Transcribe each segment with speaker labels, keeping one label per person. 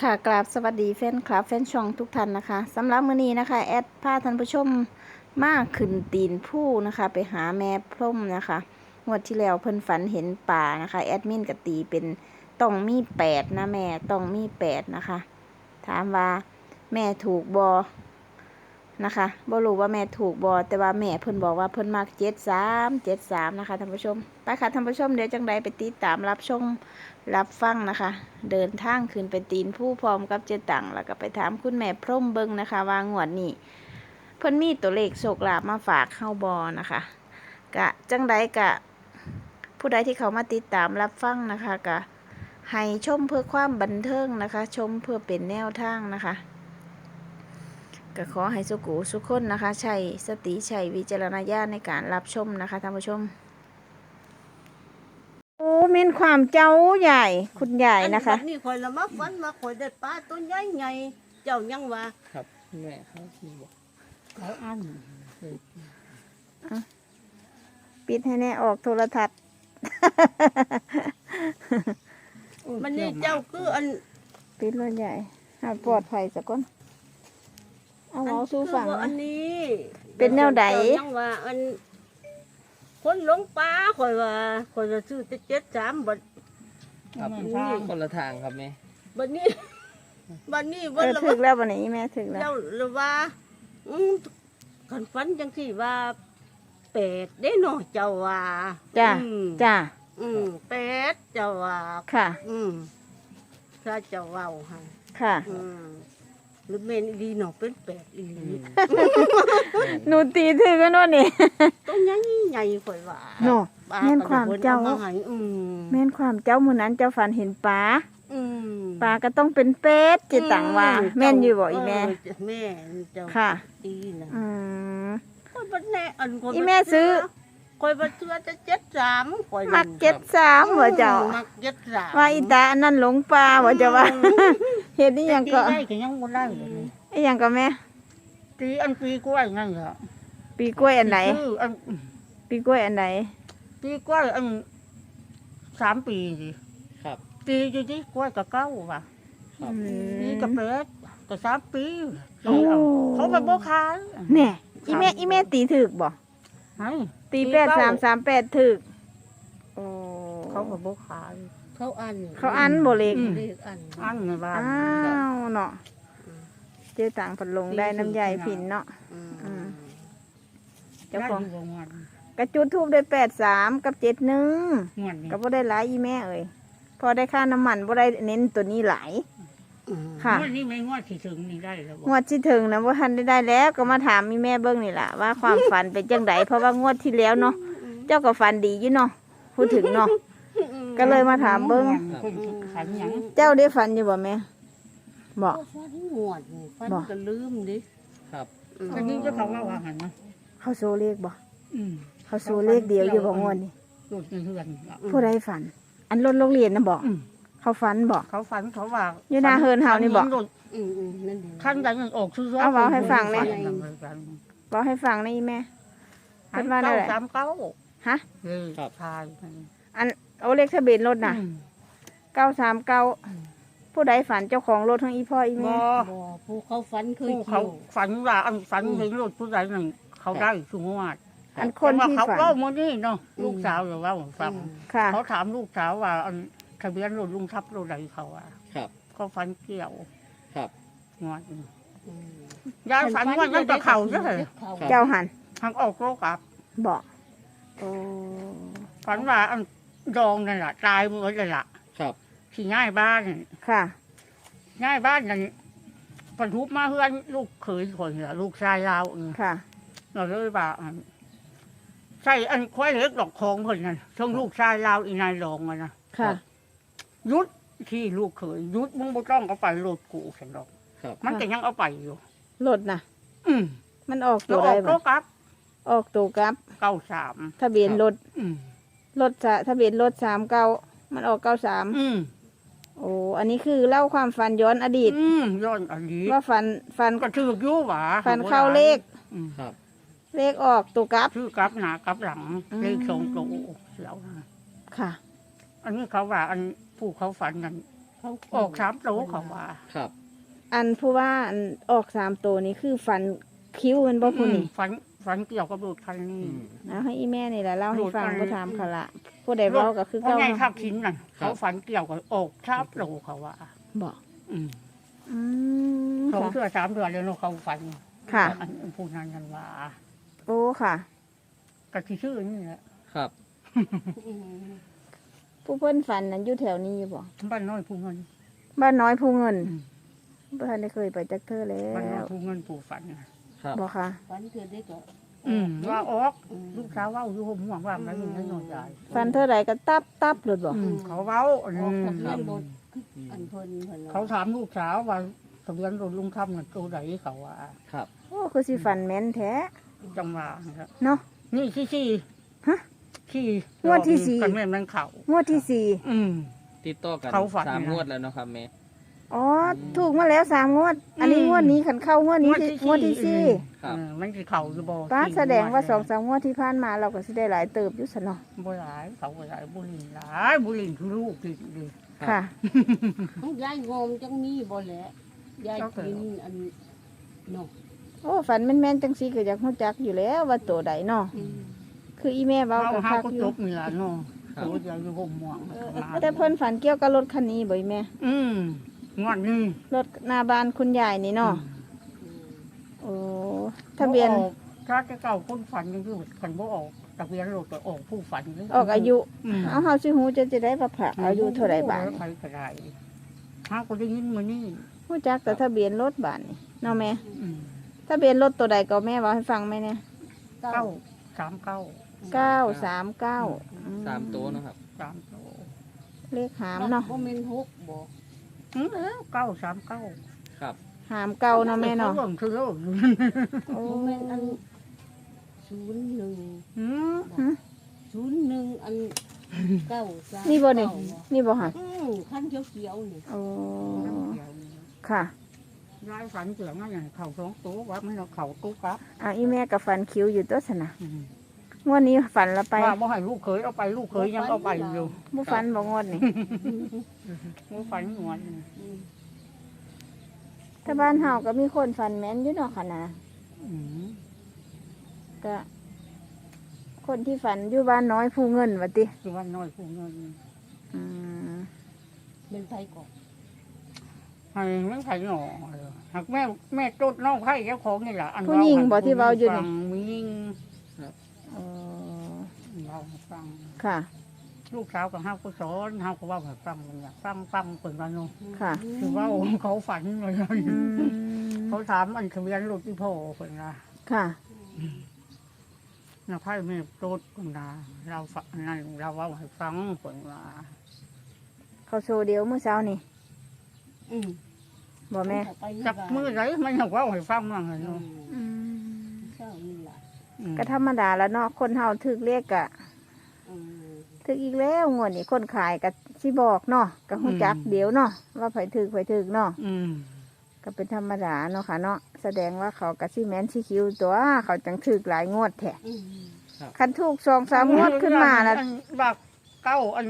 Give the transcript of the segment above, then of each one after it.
Speaker 1: ค่ะกราบสวัสดีแฟนคลับแฟนช่องทุกท่านนะคะสำหรับมื้อนี้นะคะแอดพาท่านผู้ชมมาขึ้นตีนผู้นะคะไปหาแม่พร่มนะคะงวดที่แล้วเพิ่นฝันเห็นป่านะคะแอดมินก็ตีเป็นต้องมี8นะแม่ต้องมี8นะคะถามว่าแม่ถูกบอนะคะบ่รู้ว่าแม่ถูกบอแต่ว่าแม่เพิ่นบอกว่าเพิ่นมัก73นะคะท่านผู้ชมไปค่ะท่านผู้ชมเดี๋ยวจังใดไปติดตามรับชมรับฟังนะคะเดินทางขึ้นไปตีนผู้พร้อมกับเจตังแล้วก็ไปถามคุณแม่พร่มเบิงนะคะว่างวดนี้เพิ่นมีตัวเลขโชคลาภมาฝากเข้าบอนะคะกะจังใดกะผู้ใดที่เขามาติดตามรับฟังนะคะกะให้ชมเพื่อความบันเทิงนะคะชมเพื่อเป็นแนวทางนะคะก็ขอให้สุขุสุขคนนะคะใช้สติใช้วิจารณญาณในการรับชมนะคะท่านผู้ชมโอ้เม่นความเจ้าใหญ่คุณใหญ่นะคะ
Speaker 2: อันี่คอยละมาฝันมาคอยได้ปลาตัวใหญ่ใหญ่เจ้ายังว่า
Speaker 3: ครับแม่เขาที่บอก
Speaker 2: เขาอัน
Speaker 1: ปิดให้แน่ออกโทรทัศน์
Speaker 2: มันนี่เจ้าคืออัน
Speaker 1: ปิดรถใหญ่หาปลอดภัยสักคนเอาเอาสู้ฝั่ง
Speaker 2: คือว่าอั
Speaker 1: นะ
Speaker 2: นนี้
Speaker 1: เป็นแนวใด
Speaker 2: เจ้ายังว่าอันคนหลงป่าคอยว่าคอยจะซื้อแต่73บัด
Speaker 3: ครับ
Speaker 2: นี่
Speaker 3: คนละทางครับแม่
Speaker 2: บัดนี้บัดนี้
Speaker 1: เอ
Speaker 2: วัน
Speaker 1: อ
Speaker 2: ละ
Speaker 1: ถึกแล้ววันนี้แม่ถึกแล้ว
Speaker 2: เจ้าละว่าคันฝันจังซี่ว่าเป็ดได้เนาะเจ้าว่า
Speaker 1: จ้า
Speaker 2: อืม
Speaker 1: จ้า
Speaker 2: เป็ดเจ้าว่า
Speaker 1: ค่ะ
Speaker 2: ถ้าเจ้าเว้าให้
Speaker 1: ค่ะ
Speaker 2: หรือเมนอีดีเนาะเป็นเป็ดอีหลี
Speaker 1: หนูตีถึกกันวะนี่
Speaker 2: ต้องใหญ่ใหญ่ข่อยว่า
Speaker 1: โน่
Speaker 2: ปล
Speaker 1: แม่นความเจ้า
Speaker 2: ก็ได้พิ่นอให้
Speaker 1: แม่นความเจ้ามื้อนั้นเจ้าฝันเห็นปลา
Speaker 2: อืม
Speaker 1: ปลาก็ต้องเป็นเป็ดจิตังว่า แม่นอยู่บ่อีแม่
Speaker 2: แม่เจ้า
Speaker 1: ค่ะ
Speaker 2: ตีนะ
Speaker 1: อืม
Speaker 2: ข่อยบ่แน่อันข่อย
Speaker 1: อีแม่ซื้อ
Speaker 2: ข่อยบ่เชื่อจะ73ข่อย
Speaker 1: มัก73บ่เจ้า
Speaker 2: มัก73
Speaker 1: ว่าอีตาอันนั้นหลงปลาบ่เจ้าว่า เฮ็ดอีหยังก็
Speaker 2: ตีได้ก็ยังบ่ได้เลย
Speaker 1: อีหยังก็แม่
Speaker 2: ตีอันปีกล้วยนั่นเหรอ
Speaker 1: ปีกล้วยอันไหน
Speaker 2: คืออัน
Speaker 1: ปีกล้วยอันไหน
Speaker 2: ปีกล้วยอัน3 ปีสิ
Speaker 3: ครับ
Speaker 2: ตีอยู่ที่กล้วยกับเก้าว่ะ
Speaker 3: ครับ
Speaker 2: ปีกับเป็ดก็3 ปี
Speaker 1: โอ้
Speaker 2: เขาไปบ่ขาย
Speaker 1: แน่อีแม่ตีถึกบ่
Speaker 2: ให้
Speaker 1: ตี8338ถึกโอ้
Speaker 2: เขาไปบ่ขายเขาอัน
Speaker 1: เขาอันบ่เล็ก
Speaker 2: เลขอันในบ้าน
Speaker 1: อ้าวเนาะเจ๊ต่างพัดลงได้น้ำใยผินเนาะ เจ้าของ
Speaker 2: ได้ยู่บ่งวด
Speaker 1: กระจุดทูบได้83กับ71
Speaker 2: งวดนี้
Speaker 1: ก็บ่ได้หลายอีแม่เอ้ยพอได้ค่าน้ำมันบ่ได้เน้นตัวนี้หลาย ค่ะ
Speaker 2: งวดนี้ไม่งวดที่ถึงนี่ได้แล้วบ่
Speaker 1: งวดที่ถึงนะว่าทันได้แล้วก็มาถามมีแม่เบิ้งนี่แหละว่าความฝันเป็นจังไดเพราะว่างวดที่แล้วเนาะเจ้าก็ฝันดีอยู่เนาะพูดถึงเนาะ ก็เลยมาถามเบิ่ง
Speaker 2: ขันหยัง
Speaker 1: เจ้าได้ฝันอยู่บ่แม่บอก
Speaker 2: ฟันงวดนี่ฟัน
Speaker 1: บ่
Speaker 2: ก็ลืมดิ
Speaker 3: ครับ
Speaker 2: อันนี้เจ้าเขาว่าหันนะ
Speaker 1: เขาโซเลขบ่
Speaker 2: อืม
Speaker 1: เขาโซเลขเดียวอยู่บ่งวดนี่
Speaker 2: โดดในเรือน
Speaker 1: ผู้ใดฝัน อันรถโรงเรียนนะบอก
Speaker 2: อืม
Speaker 1: เขาฝันบอก
Speaker 2: เขาฝันเขาว่า
Speaker 1: อยู่หน้าเฮิรนเฮานี่บอก
Speaker 2: นั่นดีขั้นใดมันออกซื้อ
Speaker 1: เอาเว้าให้ฟังเลย
Speaker 2: ฝั
Speaker 1: บอกให้ฟังนะอีแม่
Speaker 2: อัน
Speaker 1: เพิ่นว่าได้
Speaker 2: เก้า
Speaker 1: แหละ
Speaker 2: 39
Speaker 1: ฮะ
Speaker 3: ครับ
Speaker 2: ชาย
Speaker 1: อันเอาเลขทะเบียนรถน่ะ939ผู้ใดฝันเจ้าของรถทั้งอีพ่ออี
Speaker 2: บ่
Speaker 1: แม่
Speaker 2: ผู้เขาฝันเคยเขาฝันว่าอันฝันเห็นรถผู้ใดหนึ่งเขาได้สงวด
Speaker 1: อันคน
Speaker 2: แต่ว่า
Speaker 1: ที่
Speaker 2: เขา
Speaker 1: ฝัน
Speaker 2: เล่ามานี่เนาะลูกสาวหรือว่าฟัง
Speaker 1: ค่ะ
Speaker 2: เขาถามลูกสาวว่าอันทะเบียนรถลุงทับรถใดเขาอ่ะ
Speaker 3: ครับ
Speaker 2: เขาฝันเกี่ยว
Speaker 3: ครับ
Speaker 2: งวดนี้ยายฝันว่านั่นกับเขาใช่ไหม
Speaker 1: เจ้าหัน
Speaker 2: ทางออกโลกอับ
Speaker 1: บอกโอ้
Speaker 2: ฝันว่าอันดองนั่นแหละตายหมดเลยล่ะ
Speaker 3: ครับ
Speaker 2: ที่ง่ายบ้าน
Speaker 1: ค่ะ
Speaker 2: ง่ายบ้านนั่นปนทุบมาเพื่อนลูกเขยคนเหรอลูกชายเราเนี่ย
Speaker 1: ค่ะ
Speaker 2: เราเลยว่าอันใช่อันควายเล็กดอกคองคนนั้นช่วงลูกชายเราอีนายรองอะนะ
Speaker 1: ค่ะ
Speaker 2: ยุดที่ลูกเขยยุดมึงบ่ต้องเอาไปโหลดกูฉันดอก
Speaker 3: ครับ
Speaker 2: มันก็ยังเอาไปอยู่
Speaker 1: รถน่ะ
Speaker 2: อืม
Speaker 1: มันออก
Speaker 2: แล้
Speaker 1: ตัว ว
Speaker 2: อ
Speaker 1: ได้
Speaker 2: อก
Speaker 1: บ่
Speaker 2: โลกับ
Speaker 1: ออกตัวกับ
Speaker 2: 93
Speaker 1: ทะเบียนรถ
Speaker 2: อืม
Speaker 1: ทะเบียนรถ39มันออก93
Speaker 2: อืม
Speaker 1: โอ้อันนี้คือเล่าความฝันย้อนอดีต
Speaker 2: ย้อนอันนี้
Speaker 1: ว่าฝัน
Speaker 2: ก็ถือกอยู่หว่า
Speaker 1: ฝันเข้าเลข
Speaker 2: อืม
Speaker 3: ครับ
Speaker 1: เลขออกตัวกับ
Speaker 2: ชื่อกับหน้ากับหลัง
Speaker 1: อืม
Speaker 2: เลขสองตัวเสียวนะ
Speaker 1: ค่ะ
Speaker 2: อันนี้เขาว่าอันผู้เขาฝันนั้น
Speaker 4: เขา
Speaker 2: ออก3โตเขาว่า
Speaker 3: ครับ
Speaker 1: อันผู้ว่าอันออก3ตัวนี้คือฟันคิ้วมันบ่ผู้นี่
Speaker 2: ฝันเกี่ยวกับรถคันนี้
Speaker 1: เอาให้อีแม่นี่แหละเล่าให้ฟัง
Speaker 2: โดดไป
Speaker 1: บ่ถามเขาละผู้ใดเว้าก็คือ
Speaker 2: เพราะ
Speaker 1: เก่า
Speaker 2: ไง
Speaker 1: เนาะ
Speaker 2: ขับขินน่ะเขาฝันเกี่ยวกับออก3โตเขาว่า
Speaker 1: บ่
Speaker 2: อืม
Speaker 1: อืม
Speaker 2: 2
Speaker 1: ค่ะ
Speaker 2: เดือน3 เดือนแล้วเนาะเขาฝัน
Speaker 1: ค่ะ
Speaker 2: อันผู้นั้นกันว่า
Speaker 1: โอ้ค่ะ
Speaker 2: ก็สิชื่อนี่แหละ
Speaker 3: ครับ
Speaker 4: อืม
Speaker 1: ผู้เพิ่นฝันนั้นอยู่แถวนี้บ่
Speaker 2: บ้านน้อยผู้เงิน
Speaker 1: บ้านน้อยผู้เงิน
Speaker 2: อืม
Speaker 1: บ่ทันได้เคยไปจักเทื่อแล้
Speaker 2: บ้านน้อยว
Speaker 1: บ่
Speaker 2: ผู้เงินผู้ฝันน่ะ
Speaker 3: ครับ
Speaker 1: ค่ะ
Speaker 4: ฝันเกิดได้ก็
Speaker 2: ว่าออก
Speaker 4: อืม
Speaker 2: ลูกสาวเว่าอยู่ห่มห่วงว่ามันอยู่ในนอนใหญ่
Speaker 1: ฝันเท่าไหร่ก็ตับหลุดบ่
Speaker 2: เขาเว้า
Speaker 4: ออกทะเบียนรถอันเพิ่นว่
Speaker 2: เขาถามลูกสาวว่าทะเบียนรถลุงคำเงินตัวไหนเขาว่า
Speaker 3: ครับ
Speaker 1: โอ้คือสิฝันแม่นแท้
Speaker 2: จังหวะนะครับ
Speaker 1: เนาะ
Speaker 2: นี่ที่
Speaker 1: ฮะ
Speaker 2: ที่
Speaker 1: งวดที่สี่
Speaker 2: กันแม่มันเขา
Speaker 1: งวดที่สี่
Speaker 2: อืม
Speaker 3: ติดต่อกัน
Speaker 2: เขาฝัน
Speaker 3: 3
Speaker 2: นะ
Speaker 3: งวดแล้วเนาะครับแม่
Speaker 1: อ๋อถูกมาแล้ว3งวด อันนี้
Speaker 2: อืม
Speaker 1: งวดนี้คันเข้างวดนี้คืองวดที่สี่
Speaker 3: ครับ
Speaker 2: มันคือเขาอยู่บ่
Speaker 1: ป้า
Speaker 2: ที่
Speaker 1: แสดงว่า
Speaker 2: เนี่ย
Speaker 1: 2-3งวดที่ผ่านมาเราก็สิได้หลายเติบอยู่ซะเนาะ
Speaker 2: บ่หลายเขาบ่หลายบุหรี่หลายบุหรี่คือลูกกินดิ
Speaker 1: ค่ะ
Speaker 4: ของยายงมจังมีบ่แหละยายกินอันเนาะ
Speaker 1: โอ้ฝันแม่นๆจังซี่ก็อยากรู้จักอยู่แล้วว่าตัวใดเนาะ
Speaker 4: อืม
Speaker 1: คืออีแม่เว้า
Speaker 2: เขา
Speaker 1: ก็
Speaker 2: เฮา
Speaker 1: คัก
Speaker 2: ก็
Speaker 1: อ
Speaker 2: จ
Speaker 1: ยู่
Speaker 2: บนี่ล่ะเนาะตัวเดียวอยู่ห่มห่วง
Speaker 1: แต่เพิ่นฝันเกี่ยวกับรถคันนี้บ่อีแม่
Speaker 2: งวดนี้
Speaker 1: รถหน้าบ้านคุณยายนี่เนาะ
Speaker 4: อืม
Speaker 1: โอ้ทะเบียน
Speaker 2: บ่ออกถ้าจะเก่าคนฝันยังอยู่คันบ่ออกทะเบียนรถก็ออกผู้ฝัน
Speaker 1: ออกอายุ
Speaker 2: อืม
Speaker 1: เอาเฮาสิฮู้จะได้ว่าพระอายุเท่าใดบาด
Speaker 2: ใครก็ได้ถ้าก็ได้ยินมื้อนี้
Speaker 1: ฮู้จักแต่ทะเบียนรถบาดนี่เนาะแม่
Speaker 2: อืม
Speaker 1: ทะเบียนรถตัวใดก็แม่เว้าให้ฟังไหมเนี่ย
Speaker 2: เก้าสามเก้า
Speaker 1: 939
Speaker 3: 3ตัวเนาะครับ
Speaker 2: สามโต
Speaker 1: เลขหามเนาะ
Speaker 4: บ่แม่นหกบ่
Speaker 2: เก้าสามเก้า
Speaker 3: ครับ
Speaker 1: หามเก่าเนาะแม่เนาะ
Speaker 2: เบิ่งคือเลิก
Speaker 1: โอ้
Speaker 4: บ่แม่นอัน01
Speaker 2: อืม
Speaker 4: 01อัน9
Speaker 1: นี่บ่นี่นี่บ่ฮะ
Speaker 4: คันเขียวๆนี่
Speaker 1: โอ้ค่ะ
Speaker 2: ยายฝันเกี่ยวกับอย่างเขาสองตัวว่ามันเอาเขาตู้กับ
Speaker 1: อ่ะอีแม่ก็ฝันคิ้วอยู่ตัวซะนะ
Speaker 2: อืม
Speaker 1: งวดนี้ฝันละไป
Speaker 2: ว่าบ่ให้ลูกเคยเอาไปลูกเคยยังเอาไปอยู่
Speaker 1: บ่ฝันบ่งวดนี่
Speaker 2: บ่ฝันงวด
Speaker 4: อืม
Speaker 1: ถ้าบ้านเฮาก็มีคนฝันแม่นอยู่เนาะค่ะนะ
Speaker 2: อืม
Speaker 1: ก็คนที่ฝันอยู่บ้านน้อยผู้เงินว่าติ
Speaker 2: คือว่าน้อยผู้เงิน
Speaker 1: อืม
Speaker 4: เป็นไผก่อน
Speaker 2: ให้มันไผหน่อหากแม่ตดน้องไผเจ้าของนี่ล่ะอัน
Speaker 1: ผู้หญิงบ่ที่เว้าอยู่
Speaker 2: ฟั
Speaker 1: นี่
Speaker 2: งมียิง
Speaker 1: อ๋อ
Speaker 2: เราให้ฟัง
Speaker 1: ค่ะ
Speaker 2: ลูกสาวกับเฮาก็สอนเฮาก็เว่าให้ฟังมันอยากฟังเปิดมาเนาะ
Speaker 1: ค่ะ
Speaker 2: คือว่าเขาฝันเลย
Speaker 1: อืม
Speaker 2: เขาถามอันทะเบียนรถที่พ่อเพิ่นนะ
Speaker 1: ค่ะ
Speaker 2: นะไพ่แม่โตดคุณนะเราฟังนั่นเราเว่าให้ฟังเพิ่นว่า
Speaker 1: เขาโชว์เดียวเมื่อเช้านี่
Speaker 4: อืม
Speaker 1: บ่แม่
Speaker 2: จับมือไหนมันอยากเว่าให้ฟังมั่งเลย
Speaker 4: อื
Speaker 2: เนาะ
Speaker 4: ม
Speaker 1: อืม
Speaker 4: เช้านี่ล่ะ
Speaker 2: อืม
Speaker 1: ก็ธรรมดาแล้วเนาะคนเฮาถึกเลขกะ
Speaker 4: อืม
Speaker 1: ถึกอีกแล้วงวดนี้คนขายก็สิบอกเนาะก็ฮู้จักเดี๋ยวเนาะว่าไผถึกเนาะ
Speaker 2: อืม
Speaker 1: ก็เป็นธรรมดาเนาะค่ะเนาะแสดงว่าเขากะสิแม่นสิคิวตัวเขาจังถึกหลายงวดแท้
Speaker 4: อืม
Speaker 1: คันถูก2-3งวดขึ้นมาน่ะ
Speaker 2: อันบักเก้าอัน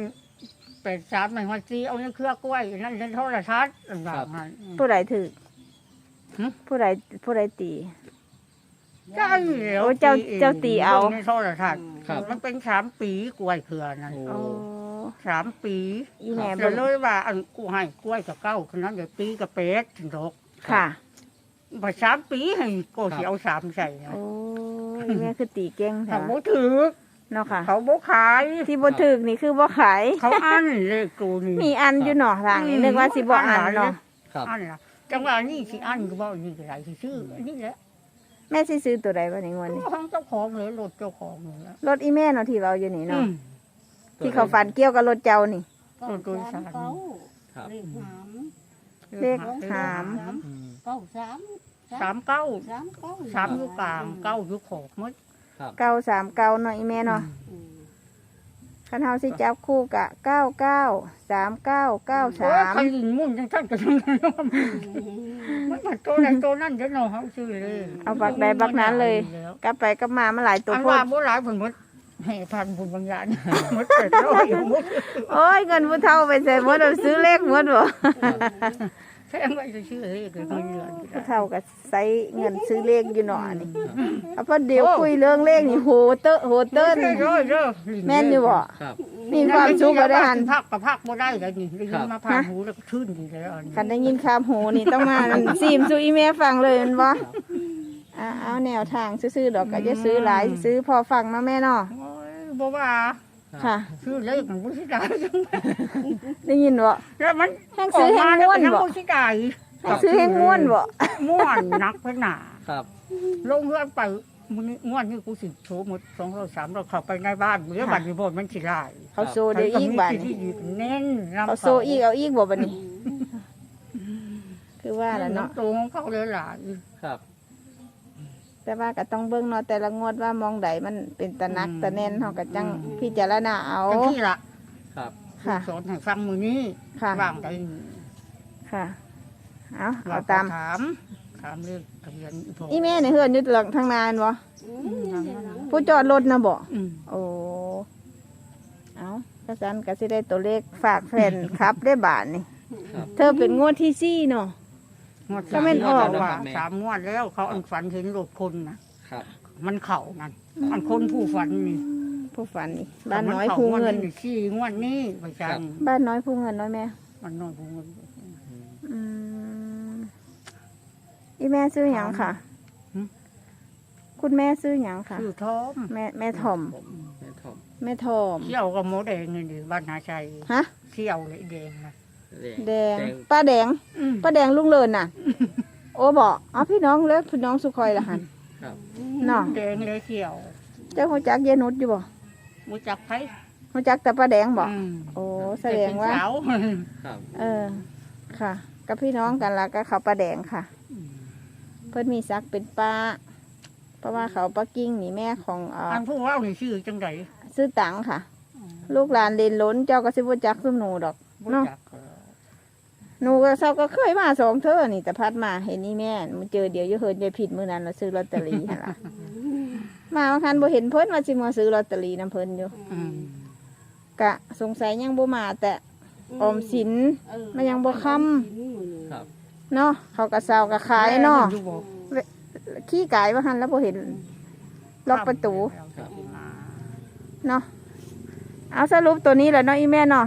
Speaker 2: 83มันว่าสิเอาในเครือกล้วยนั่นในโทรทัศน์อันบักนั้น
Speaker 1: ผู้ใดถึก
Speaker 2: หึ
Speaker 1: ผู้ใดตี
Speaker 2: ใช่แล้ว
Speaker 1: โอ้เจ้าตีเอา
Speaker 2: ในโทรทัศน์
Speaker 3: ครับ
Speaker 2: มันเป็น3 ปีกล้วยเครือนั่น
Speaker 3: โอ้
Speaker 1: โอ้
Speaker 2: 3 ปี
Speaker 1: อีแม่
Speaker 2: เดี๋
Speaker 1: บ่
Speaker 2: ยวเลยว่าอันกูให้กล้วยกับเก้าคนนั้นเดี๋ยวปีกับเป็ดถึงดอก
Speaker 1: ค่ะ
Speaker 2: พอ3 ปีให้ก็สิเอา3ใส่นะ
Speaker 1: โอ้อีแม่คือตีเก่ง
Speaker 2: เขา
Speaker 1: ค่ะ
Speaker 2: บ่ถือ
Speaker 1: เนาะค่ะ
Speaker 2: เขาบ่ขาย
Speaker 1: ที่บ่ถึกนี่คือบ่ขาย
Speaker 2: เขาอันเลยกูนี่
Speaker 1: มีอันอยู่เนาะทางนี้นึกว่าสิบ่อันเนาะ
Speaker 3: ครับ
Speaker 2: อันล่ะจังหวะนี้สิอันก็บ่นี่ก็ได้สิซื้ออันนี่แหละ
Speaker 1: แม่สิซื้อตัวใดบ่ในงวดนี้
Speaker 2: ของเจ้าของเลยรถเจ้าของเลยละ
Speaker 1: รถอีแม่เนาะที่เราอยู่นี่
Speaker 2: อื
Speaker 1: เนาะ
Speaker 2: ม
Speaker 1: ที่เขาฝันเกี่ยวกับรถเจ้านี่
Speaker 4: เก้า
Speaker 2: ตัวสาม
Speaker 4: เก้า
Speaker 3: ครับ
Speaker 4: เลขหาม
Speaker 1: เลขหาม
Speaker 3: อืม
Speaker 4: เก้าสาม
Speaker 2: 3 เก้า 3อยู่กลางเก้าอยู่ขอบหมด
Speaker 3: ครับ
Speaker 1: 939เนาะอีแม่เนาะ
Speaker 4: อืม
Speaker 1: คันเฮาสิจับคู่กะ99
Speaker 2: โอ้ยใคร
Speaker 1: 3993
Speaker 2: ยิงมุ่นจังท่านก็จังนั้นเนาะมันมาตัวนั้นตัวนั้นเด้อเนาะเฮาซื้อเลย
Speaker 1: เอาบักใดบักนั้นเลย กลับไปกลับมามันหลายตัว
Speaker 2: อัน
Speaker 1: โพ
Speaker 2: ว่า
Speaker 1: ด
Speaker 2: บ่หลายเพิ่นหมดให้พันบุญบางอย่างหมดไปร้อยหมด
Speaker 1: โอ้ยเงินผู้เฒ่าไปใส่หมดเอาซื้อเลขหมดบ่
Speaker 2: แค่ไม่จะชื่อเลขเลยคนเดือน
Speaker 1: ผู้เฒ่าก็ใส่เงินซื้อเลขอยู่หนอนี่เอาพอเดี๋ยวคุยเรื่องเลขนี่โหเตอะโหเติ้นแม่นอยู่บ่
Speaker 3: ครับ
Speaker 1: มีความสุขก็ได้หัน
Speaker 2: พักกับพักบ่ได้เลยนี่ได้ยินมาผ่านหูแล้วก็ชื่นดีแล้ว
Speaker 1: คันได้ยินคำโหนี่ต้องมาซีมสู่อีแม่ฟังเลยแมันบ่เอาแนวทางซื้อๆดอกก็จะซื้อหลายซื้อพอฟังเนาะแม่เนาะ
Speaker 2: โอ้ยบ่ว่า
Speaker 1: ค่ะ
Speaker 2: ชื่อเลขมันบ่สิได้
Speaker 1: ได้ยินบ่
Speaker 2: แล้วมัน
Speaker 1: แห้งซื้อแห้งม่วนบ่
Speaker 2: บ่สิได้
Speaker 1: ซื้อให้ม่วนบ่
Speaker 2: ม่วนนักไปหนา
Speaker 3: ครับ
Speaker 2: ลงเฮือนไปมื้อนี้ม่วนนี่กูสิโชว์หมด200 300เข้าไปในบ้านมื้อบัดนี้บ่มันสิได้
Speaker 1: เขาโซเดี๋ยวอีกบัด
Speaker 2: ที่
Speaker 1: นี้
Speaker 2: เน้นนำ
Speaker 1: เขาโซอีกเอาอีกบ่บัดนี้ คือว่าล่ะเนาะ
Speaker 2: ตรงของเขาเลยหลาย
Speaker 3: ครับ
Speaker 1: แต่ว่าก็ต้องเบิ่งเนาะแต่ละงวดว่ามองใดมันเป็นตะนักตะแน่นเฮาก็จังพิจารณาเอา
Speaker 2: จังที่ละ
Speaker 3: ครับ
Speaker 1: ค่ะ
Speaker 2: สอนให้ฟังมื้อนี้
Speaker 1: ค่ะ
Speaker 2: ว่างได้
Speaker 1: ค่ะเอา
Speaker 2: เรา
Speaker 1: เอาตาม
Speaker 2: ถามเรื่องทะเบียนพ่
Speaker 1: อีแม่นี่เฮือนอยู่หลังทางนานบ่ ผู้จอดรถนะบ่
Speaker 2: อืม
Speaker 1: โอ้เอากระสันก็สิได้ตัวเลขฝากแฟนครับได้บาทนี่
Speaker 3: ครับ
Speaker 1: เธอเป็นงวดที่สี่เนาะ
Speaker 2: งวด
Speaker 1: ก็แม่นออก
Speaker 2: ว่า3งวดแล้วเขาอันฝันเห็นรถคนนะครับ มันเข้านั่น
Speaker 1: อืม
Speaker 2: มันคนผู้ฝันนี่
Speaker 1: ผู้ฝันนี่ บ้านน้อยผู้เงิน
Speaker 2: ขี้งวดนี้ไปจัง
Speaker 1: บ้านน้อยผู้เงินน้อยแม่
Speaker 2: มันน้อยผู้เงิน
Speaker 1: อืมอีแม่ซื้อหยังค่ะ
Speaker 2: หืม
Speaker 1: คุณแม่ซื้อหยังค่ะ
Speaker 2: ชื่อท้อม
Speaker 1: แม่ทอม
Speaker 3: แม่ทอม
Speaker 1: แม่ทอม
Speaker 2: เที่ยวกับหมูแดงนี่ดิบ้านนาชัย
Speaker 1: ฮะ
Speaker 2: เที่ยวเลยแดงนะ
Speaker 1: แดง ป้าแดง
Speaker 2: อืม
Speaker 1: ป้าแดงลุงเลินน่ะ โอ้บอกอ๋อพี่น้องเล็กพี่น้องสุคอยละหัน
Speaker 3: ครับ
Speaker 1: เนาะ
Speaker 2: แดงเลยเที่ยว
Speaker 1: เจ้าหัวจักเยนุดอยู่บ่
Speaker 2: มูจักไผ
Speaker 1: หัวจักแต่ป้าแดงบอก
Speaker 2: อืม
Speaker 1: โอ้แสดงว่า
Speaker 2: เป็นสาว
Speaker 3: ครับ
Speaker 1: ค่ะ กับพี่น้องกันละก็เขาป้าแดงค่ะ เพิ่นมีซักเป็นป้า เพราะว่าเขาป้ากิ้งนี่แม่ของ
Speaker 2: อันผู้เว่านี่ชื่อจังได
Speaker 1: ซื้อตังค่ะ ลูกหลานเรียนล้นเจ้าก็สิบ่จักซุมหนูดอก
Speaker 2: บ่
Speaker 1: เนาะ
Speaker 2: จัก
Speaker 1: หนูก็เศร้าก็เคยมาสองเทื่อนี่แต่พัดมาเห็นนี่แม่มันเจอเดี๋ยวจะเฮินจะผิดมื้อนั้นเราซื้อลอตเตอรี่หั่นล่ะ มาบางคันบ่เห็นเพิ่นว่าสิมาซื้อลอตเตอรี่นํเพิ่นอยู่
Speaker 2: อืม
Speaker 1: กะสงสัยยังบ่มาแต่ออมสิน มันยังบ่ค่ำ
Speaker 3: ครับ
Speaker 1: เนาะเขาก็เศร้าก็ขายเนาะ
Speaker 2: อยู่บ่
Speaker 1: ขี้กายว่าหันแล้วบ่เห็นล็อกประตู
Speaker 3: ครับ
Speaker 1: เนาะเอาสรุปตัวนี้แหละเนาะอีแม่เนาะ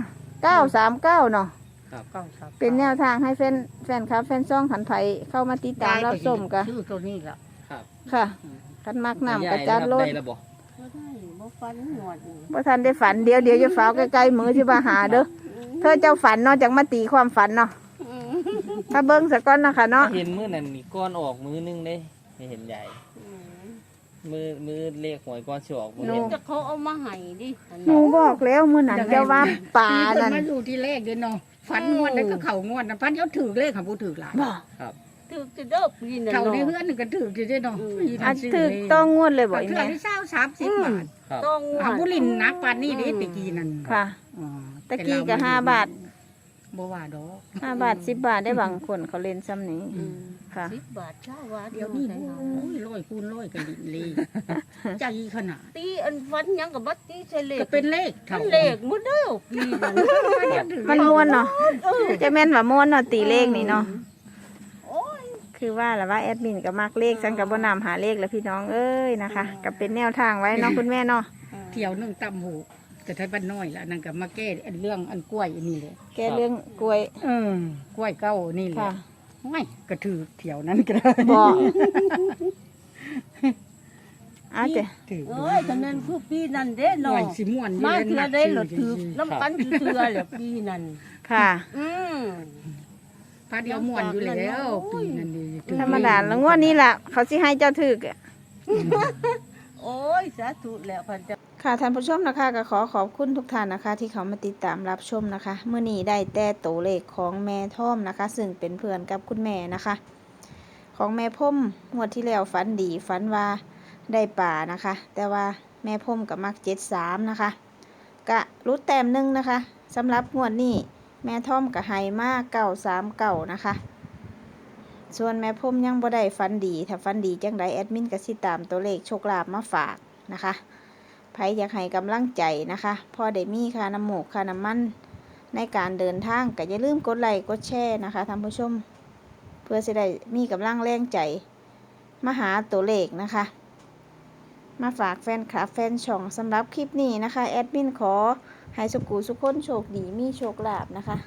Speaker 1: 939เนาะ
Speaker 2: เก้าครับ
Speaker 1: เป็นแนวทางให้แฟนครับแฟนซ่องขันไผเข้ามาติดตามรับชมกะ
Speaker 2: ชื่อตัวนี้ล่ะ
Speaker 3: ครับ
Speaker 1: ค่ะคันมักน้ำกระ
Speaker 3: ยาย
Speaker 1: จัด
Speaker 3: ครับ
Speaker 1: รถ
Speaker 3: ได้แล้วบ่
Speaker 4: บ่ได้บ่ฟันหมดนี่
Speaker 1: บ่ทันได้ฝันเดี๋ยวจะฟ้าวใกล้ๆมือที่มาหาเด้อเธอเจ้าฝันเนาะจังมาตีความฝันเนาะถ้าเบิ่งสักก้อนเนาะค่ะเนาะ
Speaker 3: เห็นมื้อนั้นนี่ก้อนออกมื้อนึงเด้ไม่เห็นใหญ่มือเลขหวยก้อนสิออกบ่เห็น
Speaker 4: จะเขาเอามาให้ดิอัน
Speaker 1: หนูบอกแล้วมื้อนั้นเจ้าว่าป่านั่น
Speaker 2: มาอยู่ที่เลขเด้อเนาะฝันงวดนั้นก็เข้างวดนะพันเขาถือเลขของผู้ถือหลาย
Speaker 1: บ่
Speaker 3: ครับ
Speaker 4: ถือจะเด้อปีนั้น
Speaker 2: เขาใน
Speaker 4: เนาะ
Speaker 2: เฮือนนึงก็ถืออยู่เด้อเนาะ
Speaker 1: อันถึกต้องงวดเลยบ่
Speaker 2: บ่
Speaker 1: อี
Speaker 2: เทื่อ
Speaker 1: แม่
Speaker 2: ที่30บาท
Speaker 3: ครับ
Speaker 4: ต้อง
Speaker 2: อาบุรินนักปานนี้เด้ตะกี้นั่น
Speaker 1: ค่ะ
Speaker 2: อ๋อ
Speaker 1: ตะกี้ก็5 บาท
Speaker 2: บ่ว่าดอก
Speaker 1: 5 บาท10 บาทได้บางคนเขาเล่นซ้ำนี้ค่ะ
Speaker 4: 10 บาทเช้าว่า
Speaker 2: เดี๋ยวนี้โอ้ยร้อยคูณร้อยกันดินเลยใจขนาด
Speaker 4: ตีอันฟันหยังกับบัดตีใส่เลข
Speaker 2: ก็เป็นเลขเท่า
Speaker 4: เลขหมดเด้อปีนั้น
Speaker 1: มันม่วนเนาะจะแม่นว่าม่วนเนาะตีเลขนี่เนาะ
Speaker 4: โอ้ย
Speaker 1: คือว่าแหละว่าแอดมินก็มักเลขฉันก็บ่นำหาเลขแล้วพี่น้องเอ้ยนะคะก็เป็นแนวทางไว้เนาะคุณแม่เนาะ
Speaker 2: เที่ยวนึงตำหูแต่ไทยบ้านน้อยละนั่นก็มาแก้อันเรื่องอันกล้วยอันนี้เลย
Speaker 1: แกเรื่องกล้วย
Speaker 2: กล้วยเก้านี่แหละ
Speaker 1: ค่ะ
Speaker 2: ไม่กระถือเที่ยวนั้นก็ได้
Speaker 1: บ่เอาเจ้ะ
Speaker 2: ถือ
Speaker 4: เอ้ยคะแนนคือปีนั้นเด้
Speaker 2: หน่อ
Speaker 4: เนาะ
Speaker 2: ยสิม่วน
Speaker 4: มา
Speaker 2: ยู่
Speaker 4: เทื่อได้หลดถือน้ำกันเทื่อแหละปีนั้น
Speaker 1: ค่ะ
Speaker 4: อืม
Speaker 2: พาเดียวม่วนอยู่แล้วปีนั้นดีถือ
Speaker 1: ธรรมดาแล้วงวดนี้ล่ะ เขาสิให้เจ้าถึกอะ
Speaker 4: โอ้ยสาธุแล้วพันจะ
Speaker 1: ค่ะท่านผู้ชมนะคะก็ขอขอบคุณทุกท่านนะคะ ที่เขามาติดตามรับชมนะคะเมื่อนี้ได้แต่ตัวเลขของแม่ท่อมนะคะ ซึ่งเป็นเพื่อนกับคุณแม่นะคะ ของแม่พ่มงวดที่แล้วฝันดีฝันว่าได้ป่านะคะ แต่ว่าแม่พ่มกับมัก73นะคะกะรุดแต้มหนึงนะคะสำหรับงวดนี้แม่ท่อมกับไฮมาก939นะคะส่วนแม่พ่มยังบ่ได้ฝันดีถ้าฝันดีจังใดแอดมินก็สิตามตัวเลขโชคลาภมาฝากนะคะไผอยากให้กำลังใจนะคะพอได้มีค่าน้ำหมูกค่าน้ำมันในการเดินทางก็อย่าลืมกดไลค์กดแชร์นะคะท่านผู้ชมเพื่อจะได้มีกำลังแรงใจมาหาตัวเลขนะคะมาฝากแฟนคลับแฟนช่องสำหรับคลิปนี้นะคะแอดมินขอให้สุขุสุขคนโชคดีมีโชคลาภนะคะ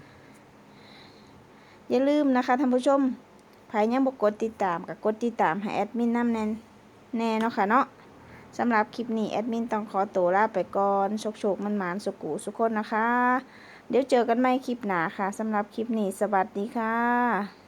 Speaker 1: อย่าลืมนะคะท่านผู้ชมใครยังบ่กดติดตามก็กดติดตามให้แอดมินนำแน่เนาะค่ะเนาะสำหรับคลิปนี้แอดมินต้องขอตัวลาไปก่อนโชคมันหมานสุขุสุขคนนะคะเดี๋ยวเจอกันใหม่คลิปหน้าค่ะสำหรับคลิปนี้สวัสดีค่ะ